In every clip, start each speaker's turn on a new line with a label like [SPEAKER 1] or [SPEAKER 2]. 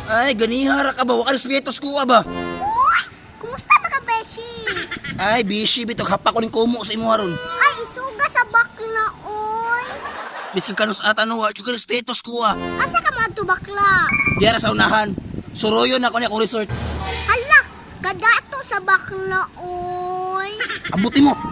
[SPEAKER 1] Ay, ganihara ka ba? Waka respetos ko ba?
[SPEAKER 2] Kumusta ba ka, Beshi?
[SPEAKER 1] Ay, bishi bitog hapa ko ning kumo sa imo haron.
[SPEAKER 2] Ay, isuga sa bakla, oy.
[SPEAKER 1] Biskan kanus atan wa jud respetos ko
[SPEAKER 2] Asa ka mo adto bakla?
[SPEAKER 1] Diara sa unahan. Suroyon ako ni akong resort.
[SPEAKER 2] Hala, kadato sa bakla, oy.
[SPEAKER 1] Ambuti mo.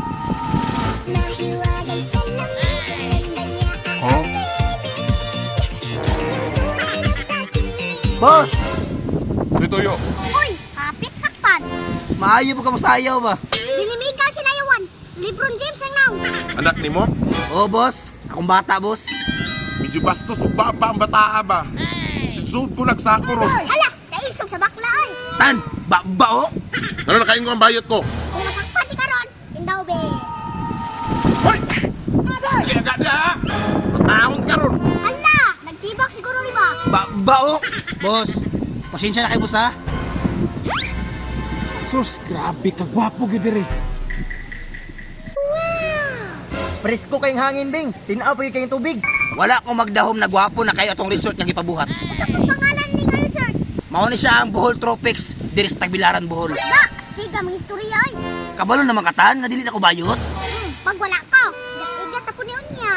[SPEAKER 1] Boss,
[SPEAKER 3] Si Toyo.
[SPEAKER 2] Uy, kapit sakpan.
[SPEAKER 1] maayo po ka mo sayaw ba?
[SPEAKER 2] Dinimiga sinayawan. Lebron James ang naw.
[SPEAKER 3] Anak ni mo?
[SPEAKER 1] Oo, boss. Akong bata, boss.
[SPEAKER 3] Medyo bastos o baba ang bataa ba? Sidsud ko nagsako ron.
[SPEAKER 2] Hala, naisog sa bakla, oy.
[SPEAKER 1] Tan, ba oh?
[SPEAKER 3] Ano nakain ko ang bayot ko?
[SPEAKER 2] Kung masakpan di karon, indaw be.
[SPEAKER 3] Hoy! Hindi agad na ha! Mataon ka ron!
[SPEAKER 2] Hala, nagtibak siguro ni ba?
[SPEAKER 1] Ba oh? Boss, pasensya na kayo, boss ha?
[SPEAKER 4] Sus, grabe ka, gwapo gid rin.
[SPEAKER 1] Presko kayong hangin, Bing. Tinaw pa kayong tubig. Wala akong magdahom na gwapo na kayo atong resort nga gipabuhat.
[SPEAKER 2] Sa kung pangalan ni ka, resort.
[SPEAKER 1] Mao ni siya ang Bohol Tropics, diri sa Tagbilaran, Bohol.
[SPEAKER 2] Da, stiga mga istorya, oy.
[SPEAKER 1] Kabalo na makatan, na dili na ko bayot.
[SPEAKER 2] Pag wala ka, igat ako ni Unya.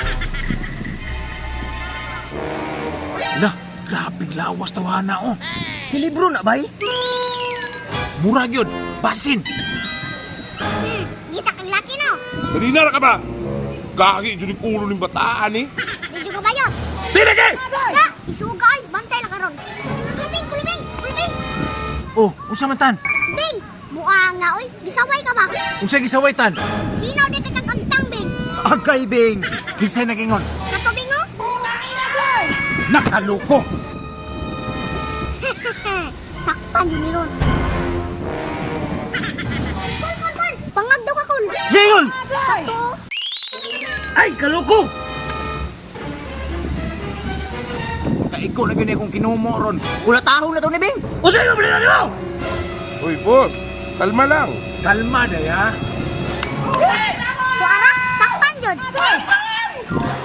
[SPEAKER 4] Lah, grabe lawas tawana oh.
[SPEAKER 1] Si Libro na bay?
[SPEAKER 4] Murag yun, basin.
[SPEAKER 2] Ngita kang laki, no?
[SPEAKER 3] Nalinar ka ba? Gagi dyan yung ulo ng bataan eh.
[SPEAKER 2] Medyo ka bayot.
[SPEAKER 3] Tinagi!
[SPEAKER 2] Da, isuga, ay. Bantay lang karon. Kulibing, kulibing, kulibing.
[SPEAKER 4] Oh, unsa man tan?
[SPEAKER 2] Bing, muanga, oy. Bisaway ka ba?
[SPEAKER 4] Unsa gisaway tan?
[SPEAKER 2] Sinaw dito kang agtang, Bing.
[SPEAKER 4] Agay bing. Kinsay nagingon?
[SPEAKER 2] Katubing, oh.
[SPEAKER 4] Nakaloko.
[SPEAKER 2] Sakpan yun ni Ron. Kol. Pangag daw ka, Kol.
[SPEAKER 4] Jingon!
[SPEAKER 2] Kato.
[SPEAKER 1] Ay, kaloko!
[SPEAKER 4] Kaiko na gani akong kinumo ron.
[SPEAKER 1] Ulatahon na to ni Bing. O sa'yo, bali na niyo!
[SPEAKER 3] Uy, boss. Kalma lang.
[SPEAKER 4] Kalma na ya.
[SPEAKER 2] Kuara, sakpan yun.